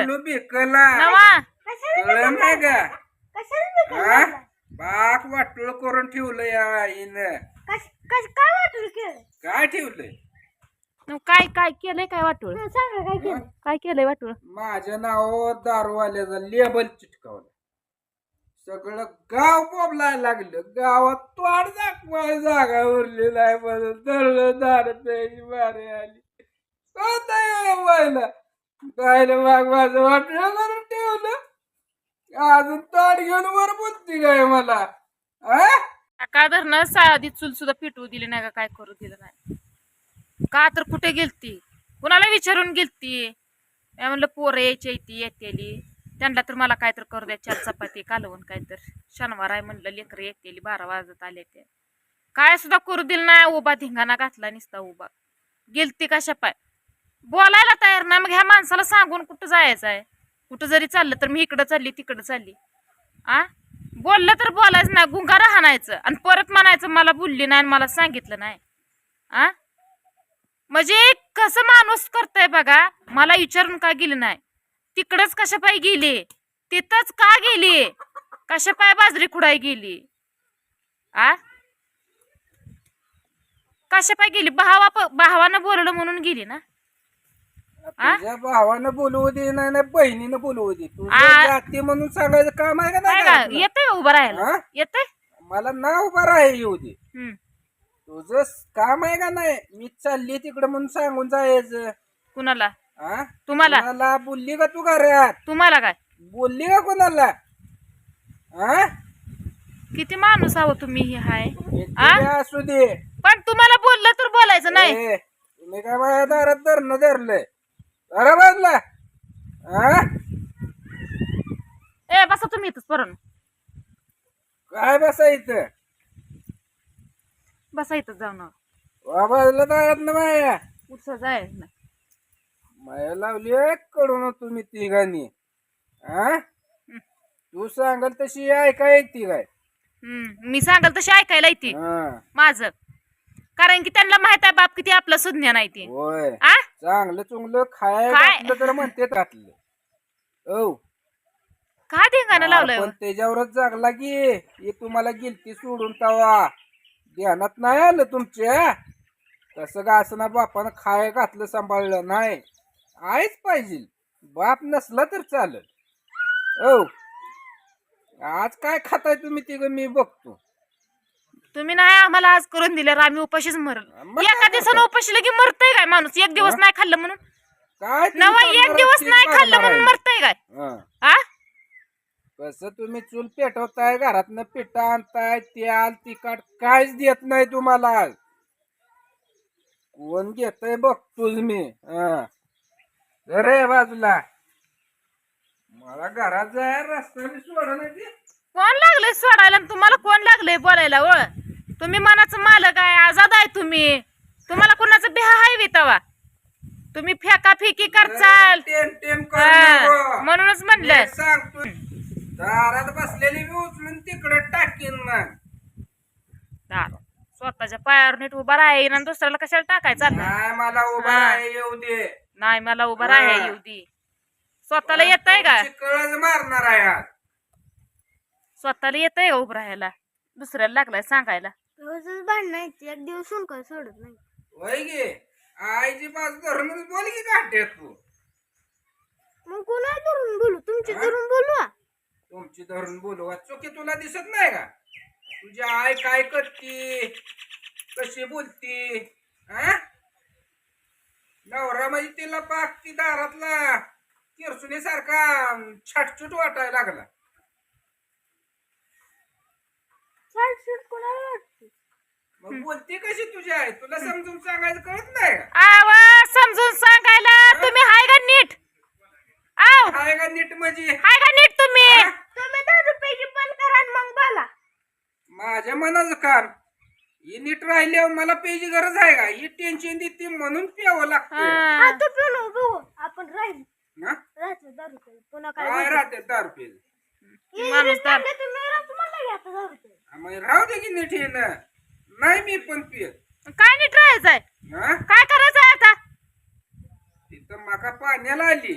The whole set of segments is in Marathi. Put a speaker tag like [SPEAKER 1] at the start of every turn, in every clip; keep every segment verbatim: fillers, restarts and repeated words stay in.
[SPEAKER 1] घालू बिकला
[SPEAKER 2] नवा
[SPEAKER 1] कळलं नाही का बाक वाटोळ करून ठेवलं या आईनं
[SPEAKER 3] काय वाटलं केलं
[SPEAKER 1] काय ठेवलंय
[SPEAKER 2] काय काय केलंय काय वाटूळ
[SPEAKER 3] सांगा काय केलं
[SPEAKER 2] काय केलंय वाटूळ
[SPEAKER 1] माझ्या नावावर दारूवाल्याचं लेबल चिटकावलं सगळं गाव बोबलायला लागलं गावात तोड दाखवाय जागा उरली नाही म्हणून धरलं दार प्यायची मारे आली व्हायला गायला माग माझं वाटलं करून ठेवलं अजून तोड घेऊन वर बोलती काय मला
[SPEAKER 2] का धरणं साधी चूल सुद्धा पिटवू दिली नाही का काय करू दिलं नाही का तर कुठे गेलती कुणाला विचारून गेलती मी म्हणलं पोरं यायची ती येतेली त्यांना तर मला काय तर करू द्या चार चपाती कालवून काय तर शनिवार आहे म्हणलं लेकर येतेली बारा वाजत आले ते काय सुद्धा करू दिलं नाही उभा धिंगाणा घातला निसता उभा गेलती कशा पाय बोलायला तयार नाही मग ह्या माणसाला सांगून कुठं जायचं आहे कुठं जरी चाललं तर मी इकडं चालली तिकडं चालली आ बोललं तर बोलायचं नाही गुंगारा हाणायचं आणि परत म्हणायचं मला बोलली नाही आणि मला सांगितलं नाही आ म्हणजे कसं माणूस करताय बघा मला विचारून का गेली नाही तिकडच कशा पाय गेली तिथंच का गेली कशा पाय बाजरी खुडाय गेली आ कशा पाय गेली भावा भावानं बोललं म्हणून गेली ना
[SPEAKER 1] तुझ्या भावानं बोलवू दे नाही नाही बहिणीनं बोलवू दे तुझ्या जाती म्हणून सांगायचं काम आहे का नाही
[SPEAKER 2] येतंय उभं राहायला येतंय
[SPEAKER 1] मला ना उभा राहाय येऊ दे तुझं काम आहे का नाही मी चालली तिकडे म्हणून सांगून जायचं
[SPEAKER 2] कुणाला
[SPEAKER 1] हा
[SPEAKER 2] तुम्हाला
[SPEAKER 1] मला बोलली का तू घरात
[SPEAKER 2] तुम्हाला काय
[SPEAKER 1] बोलली का कोणाला हा
[SPEAKER 2] किती माणूस आहो तुम्ही हे हाय
[SPEAKER 1] असू दे
[SPEAKER 2] पण तुम्हाला बोललं तर बोलायचं नाही
[SPEAKER 1] तुम्ही काय माझ्या दारात धरणं धरलंय अरे बाजला हा
[SPEAKER 2] ए बसा तुम्ही इथंच परण
[SPEAKER 1] काय बसायचं
[SPEAKER 2] बसा इथंच जाऊ ना
[SPEAKER 1] बाजला दारात ना माया
[SPEAKER 2] उत्साह जायचं नाही
[SPEAKER 1] माया लावली कडून तुम्ही तिघांनी हा तू सांगाल तशी ऐका येते काय
[SPEAKER 2] हम्म मी सांगाल तशी ऐकायला येते
[SPEAKER 1] हा
[SPEAKER 2] माझं कारण की त्यांना माहित आहे बाप किती आपलं सुज्ञान आहे ते
[SPEAKER 1] होय
[SPEAKER 2] आ
[SPEAKER 1] चांगलं चुंगलं खाय
[SPEAKER 2] काय?
[SPEAKER 1] घातलं तर म्हणते घातलं औ
[SPEAKER 2] काय धिंगाणं लावलंय
[SPEAKER 1] पण त्याच्यावरच जागला की हे तुम्हाला गिलती सोडून तवा ध्यानात नाही आलं तुमच्या तसं का असं ना बापानं खाय घातलं सांभाळलं नाही आहेच पाहिजे बाप नसला तर चालेल औ आज काय खाताय तुम्ही तिघ मी बघतो
[SPEAKER 2] तुम्ही नाही आम्हाला आज करून दिलं आम्ही उपाशीच मरल एका दिवसानं उपाशी लगे मरतय काय माणूस एक दिवस नाही खाल्लं म्हणून
[SPEAKER 1] काय
[SPEAKER 2] नवा एक दिवस नाही खाल्लं म्हणून मरतय काय आ
[SPEAKER 1] कसं तुम्ही चूल पेटवताय घरातनं पिठा आणताय तेल तिखट काहीच देत नाही तुम्हाला कोण घेतय बघतोच मी रे बाजूला मला घरात जाय रस्त्याने सोडा नाही
[SPEAKER 2] कोण लागलंय सोडायला आणि तुम्हाला कोण लागलंय बोलायला व तुम्ही मनाचं मालक आहे आजाद आहे तुम्ही तुम्हाला कोणाचं बिहा हाय वितावा तुम्ही फेका फेकी करचाल
[SPEAKER 1] टेम टेम
[SPEAKER 2] म्हणूनच म्हणलं
[SPEAKER 1] सांगतो दारात बसलेली मी उचलून तिकडे टाकीन मग
[SPEAKER 2] स्वतःच्या पायावर नीट उभा राहीन आणि दुसऱ्याला कशाला टाकायचं
[SPEAKER 1] नाही मला उभा राहाय येऊ दे
[SPEAKER 2] नाही मला उभा राहाय येऊ दे स्वतःला येत आहे का
[SPEAKER 1] कळच मारणार आहे आज
[SPEAKER 2] स्वतःला येत आहे का उभं राहायला दुसऱ्याला लागलाय सांगायला
[SPEAKER 3] रोजच भांडण एक दिवस काय सोडत नाही
[SPEAKER 1] वय गे आईची बाजू धरूनच बोल की काढते तू
[SPEAKER 3] मग कोणा धरून बोलू तुमची धरून बोलू
[SPEAKER 1] तुमची धरून बोलू चुकी तुला दिसत नाही का तुझी आई काय करते कशी बोलती हा नवरा म्हणजे तिला पाक ती दारातला किरसुनी सारखा छटछूट वाटायला लागला मग बोलती कशी तुझी आई तुला समजून सांगायचं कळत नाही का
[SPEAKER 2] आवा समजून सांगायला तुम्ही हाय का नीट आव
[SPEAKER 1] हाय का नीट म्हणजे
[SPEAKER 2] हाय का नीट तुम्ही
[SPEAKER 3] तुम्ही दहा रुपयाची पण करा मग बोला
[SPEAKER 1] माझ्या मनाचं काम ही नीट राहिल्यावर मला पेची गरज आहे का ही टेन्शन देते म्हणून प्यावं लागतं
[SPEAKER 3] आता पिऊ बघू आपण राहील
[SPEAKER 1] ना
[SPEAKER 3] राहतो दहा रुपये पुन्हा
[SPEAKER 1] काय
[SPEAKER 3] काय
[SPEAKER 1] राहते दहा रुपये
[SPEAKER 2] माणूस तर
[SPEAKER 3] तुम्ही राहतो म्हणलं की आता दहा रुपये
[SPEAKER 1] मग राहू दे की नीट येणं नाही मी पण पिय
[SPEAKER 2] काय नीट राहायचंय
[SPEAKER 1] हा
[SPEAKER 2] काय करायचंय आता
[SPEAKER 1] तिथं माका पाण्याला आली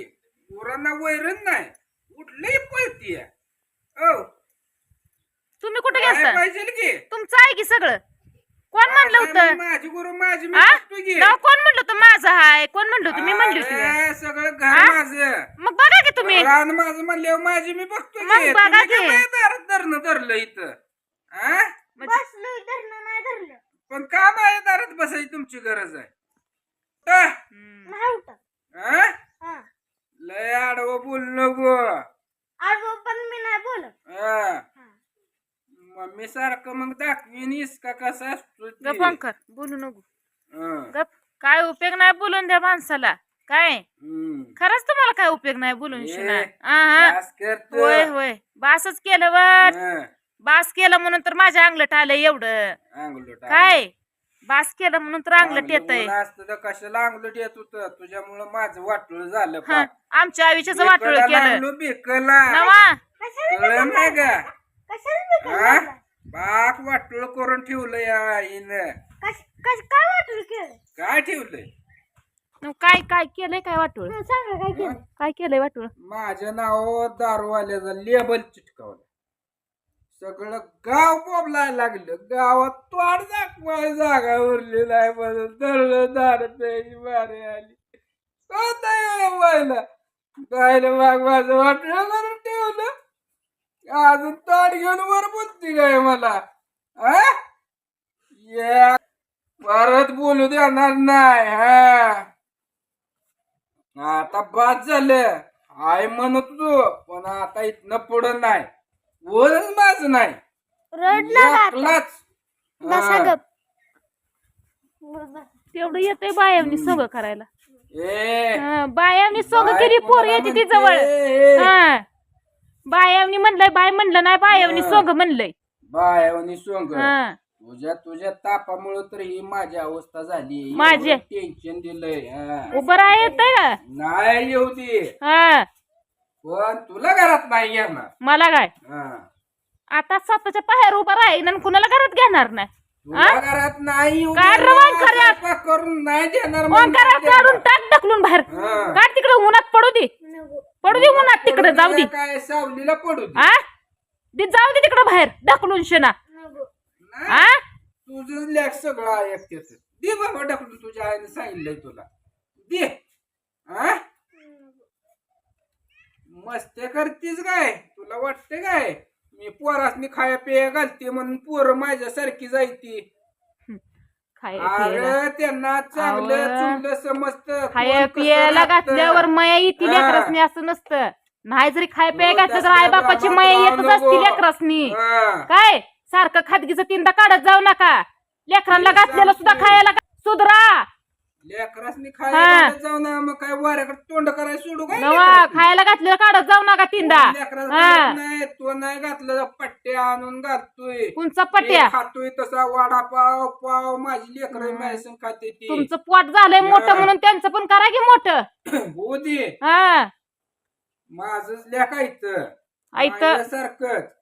[SPEAKER 1] पोरांना वैरण नाही कुठलंही पळतीय ओ
[SPEAKER 2] तुम्ही कुठे
[SPEAKER 1] काय
[SPEAKER 2] गेलता
[SPEAKER 1] पाहिजे की
[SPEAKER 2] तुमचं आहे की सगळं कोण म्हणलं होतं
[SPEAKER 1] माझी गुरु माझी मी
[SPEAKER 2] आ?
[SPEAKER 1] बघतो की.
[SPEAKER 2] नाव कोण म्हणलं होतं माझं हाय कोण म्हणलं होतं मी म्हणली होती का?
[SPEAKER 1] अरे, सगळं घर
[SPEAKER 2] आ?
[SPEAKER 1] माझं
[SPEAKER 2] मग बघा की तुम्ही
[SPEAKER 1] रान माझं म्हणल्यावर माझी मी बघतो
[SPEAKER 2] मग
[SPEAKER 1] की.
[SPEAKER 2] बघा
[SPEAKER 1] तुम्ही
[SPEAKER 2] की.
[SPEAKER 1] काय माझ्या दारात धरणं धरलं इथं आ?
[SPEAKER 3] बसलो धरणं नाही धरलं
[SPEAKER 1] पण का माझ्या दारात बसायची तुमची गरज आहे आ?
[SPEAKER 2] हम्म.
[SPEAKER 3] नाही उठत
[SPEAKER 1] आ?
[SPEAKER 3] हा
[SPEAKER 1] लय आडवं बोल नको
[SPEAKER 3] आजो पण मी नाही बोलत
[SPEAKER 1] आ. मम्मी सारखं मग दाखवीनीस का कसा असतो ते?
[SPEAKER 2] गप अंकर बोलू नको
[SPEAKER 1] हा.
[SPEAKER 2] गप काय उपयोग नाही बोलून द्या माणसाला काय
[SPEAKER 1] हम्म.
[SPEAKER 2] खरंच तुम्हाला काय उपयोग नाही बोलून
[SPEAKER 1] ए,
[SPEAKER 2] शिना हा
[SPEAKER 1] बास करतो.
[SPEAKER 2] होय होय बासच केलं वाट
[SPEAKER 1] हा.
[SPEAKER 2] बास केलं म्हणून तर माझ्या अंगलट आलं एवढं
[SPEAKER 1] अंगलट आलं.
[SPEAKER 2] काय बास केलं म्हणून तर अंगलट येत
[SPEAKER 1] अंगलट ऊन असतं तर कशाला अंगलट येत होतं तुझ्यामुळं माझं वाटोळ झालं
[SPEAKER 2] हा
[SPEAKER 1] पाक.
[SPEAKER 2] आमच्या आयुष्याचं वाटोळ
[SPEAKER 1] बेकला
[SPEAKER 2] केलं
[SPEAKER 1] लागलो बेकला
[SPEAKER 2] नवा
[SPEAKER 3] कशाला
[SPEAKER 1] कळलं नाही का
[SPEAKER 3] कशाला मी
[SPEAKER 1] हा?
[SPEAKER 3] केलं?
[SPEAKER 1] बाक वाटोळ करून ठेवलं या आईनं
[SPEAKER 3] कश- कश- काय वाटलं केलं
[SPEAKER 1] काय ठेवलंय
[SPEAKER 2] मग काय काय केलंय काय वाटोळ
[SPEAKER 3] हा, सांगा काय केलं
[SPEAKER 2] काय केलंय वाटोळ
[SPEAKER 1] माझ्या नावावर दारूवाल्याचं लेबल चिटकावलं सगळं गाव बोबलायला लागलं गावात तोड दाखवाय जागा उरली नाही म्हणून धरलं दार प्यायची बारी आली व्हायला गायला माग माझं वाटलं करून ठेवलं अजून ताट घेऊन वर बोलती काय मला आ? या परत बोलू देणार नाही हा आता बाद झालं आय म्हणत तू पण आता इथनं पुढं नाही बोलच माझं नाही
[SPEAKER 3] रडला का आता?
[SPEAKER 1] एकलाच.
[SPEAKER 3] बसा
[SPEAKER 1] हा.
[SPEAKER 3] गप
[SPEAKER 2] तेवढं येतंय बायावनी सोंग करायला
[SPEAKER 1] ए
[SPEAKER 2] हा, बायावनी सोंग
[SPEAKER 1] बाय
[SPEAKER 2] केली पोर
[SPEAKER 1] कोणाला
[SPEAKER 2] येते ती
[SPEAKER 1] म्हणते?
[SPEAKER 2] जवळ हा बायावनी म्हणलंय बाय म्हणलं नाही बायावनी
[SPEAKER 1] हा.
[SPEAKER 2] सोंग म्हणलंय
[SPEAKER 1] बायवनी सोंग
[SPEAKER 2] हा
[SPEAKER 1] तुझ्या तुझ्या तापामुळे तर ही माझी अवस्था झाली
[SPEAKER 2] माझी?
[SPEAKER 1] टेन्शन दिलंय हा.
[SPEAKER 2] उभं राहा येतंय का
[SPEAKER 1] नाही येऊ दे
[SPEAKER 2] हा
[SPEAKER 1] पण तुला घरात नाही येणार
[SPEAKER 2] मला काय
[SPEAKER 1] हा.
[SPEAKER 2] आता स्वतःच्या पायावर उभं राहीन आणि कुणाला घरात घेणार नाही
[SPEAKER 1] तुला घरात नाही येऊ
[SPEAKER 2] काढ
[SPEAKER 1] देणार,
[SPEAKER 2] रवान खऱ्यात.
[SPEAKER 1] स्वयंपाक करून नाही देणार म्हणजे
[SPEAKER 2] ओंकारात
[SPEAKER 1] नाही
[SPEAKER 2] काढून
[SPEAKER 1] देणार.
[SPEAKER 2] टाक ढकलून बाहेर
[SPEAKER 1] हा.
[SPEAKER 2] काढ तिकडे उन्हात पडू दे
[SPEAKER 3] नको.
[SPEAKER 2] पडू दे उन्हात तिकडे
[SPEAKER 1] पडू
[SPEAKER 2] जाऊ दे
[SPEAKER 1] दे काय सावलीला पडू दे
[SPEAKER 2] आ दे जाऊ दे तिकडे बाहेर ढकलून शेना
[SPEAKER 3] नको.
[SPEAKER 1] नाही,
[SPEAKER 2] आ
[SPEAKER 1] तुझं लेख सगळं ऐकतेच दे बाबा ढकलून तुझ्या आईने सांगितलंय तुला दे हा मस्ते करतीस काय तुला वाटते काय मी पोरासनी खाया पेया घालते म्हणून पोरं माझ्यासारखी जायती
[SPEAKER 2] खाय पियाला
[SPEAKER 1] अरे त्यांना चांगलं
[SPEAKER 2] आवं.
[SPEAKER 1] चुंगलं समजतं
[SPEAKER 2] खाय
[SPEAKER 1] कोण कसं
[SPEAKER 2] पियाला
[SPEAKER 1] राहतं.
[SPEAKER 2] घातल्यावर मया येते
[SPEAKER 1] हा.
[SPEAKER 2] लेकरासनी असं नसतं नाही जरी खाय पिया
[SPEAKER 1] हो,
[SPEAKER 2] घातलं तर
[SPEAKER 1] तसल्या
[SPEAKER 2] आई बापाची
[SPEAKER 1] बाबा
[SPEAKER 2] मया
[SPEAKER 1] राहू
[SPEAKER 2] येतच
[SPEAKER 1] नको.
[SPEAKER 2] असते लेकरासनी
[SPEAKER 1] हा.
[SPEAKER 2] काय सारखं खादगीचं तीनदा काढत जाऊ नका लेकरांना
[SPEAKER 1] मी
[SPEAKER 2] घातलेलं सुद्धा
[SPEAKER 1] सांगतोय.
[SPEAKER 2] खायला घा- सुधरा
[SPEAKER 1] लेकरासनी
[SPEAKER 2] हा.
[SPEAKER 1] खायला जाऊ ना मग काय वाऱ्याकडे तोंड करायला सोडू काय
[SPEAKER 2] नवा
[SPEAKER 1] लेकरासनी?
[SPEAKER 2] खायला घातलेलं काढत जाऊ नका तीनदा
[SPEAKER 1] लेकराला
[SPEAKER 2] हा
[SPEAKER 1] कळत नाही तो नाही घातलं पट्ट्या आणून घालतोय
[SPEAKER 2] तुमचा पट्या
[SPEAKER 1] हे खातोय तसा वडापाव पाव माझी लेकर मॅसन खाते ती
[SPEAKER 2] तुमचं पोट झालंय मोठं
[SPEAKER 1] हा.
[SPEAKER 2] म्हणून त्यांचं पण करा की मोठं
[SPEAKER 1] हो दे
[SPEAKER 2] हा
[SPEAKER 1] माझंच लेखायचं
[SPEAKER 2] ऐकतं.
[SPEAKER 1] सारखंच